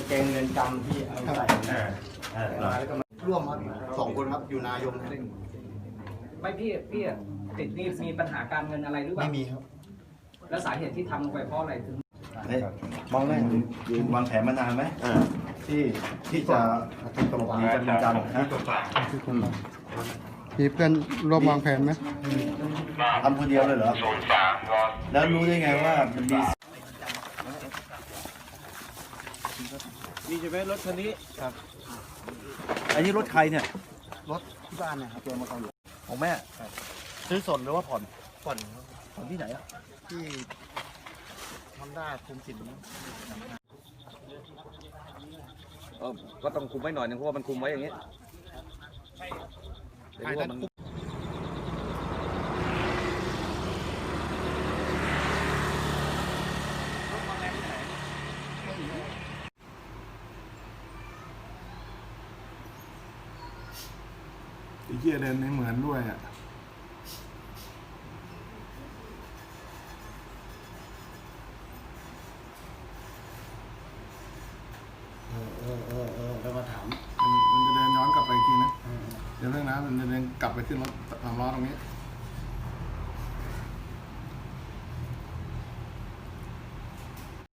เกงเงินจำที่เอาใส่แล้วก็มาร่วมครับ2 คนครับอยู่นายงไม่พี่ติดหนี้มีปัญหาการเงินอะไรหรือเปล่าไม่มีครับแล้วสาเหตุที่ทำลงไปเพราะอะไรถึงมองแรกวางแผนมานานไหมที่จะหลบหนีจากเรือนจำนะมีเพื่อนร่วมวางแผนไหมทำคนเดียวเลยเหรอแล้วรู้ได้ไงว่ามันมีใช่ไหมรถคันนี้ครับอันนี้รถใครเนี่ยรถที่บ้านเนี่ยครับตัวมาเขาอยู่ของแม่ซื้อสดหรือว่าผ่อนผ่อนที่ไหนอ่ะที่ฮอนด้าคุมสินก็ต้องคุมไว้หน่อยนึงเพราะว่ามันคุมไว้อย่างนี้ไอ้เหี้ยเดินไม่เหมือนด้วยอ่ะแล้วมาถามมันจะเดินย้อนกลับไปอีกทีนะเดี๋ยวเรื่องนะมันจะเดินกลับไปขึ้นรถ3 ล้อตรงนี้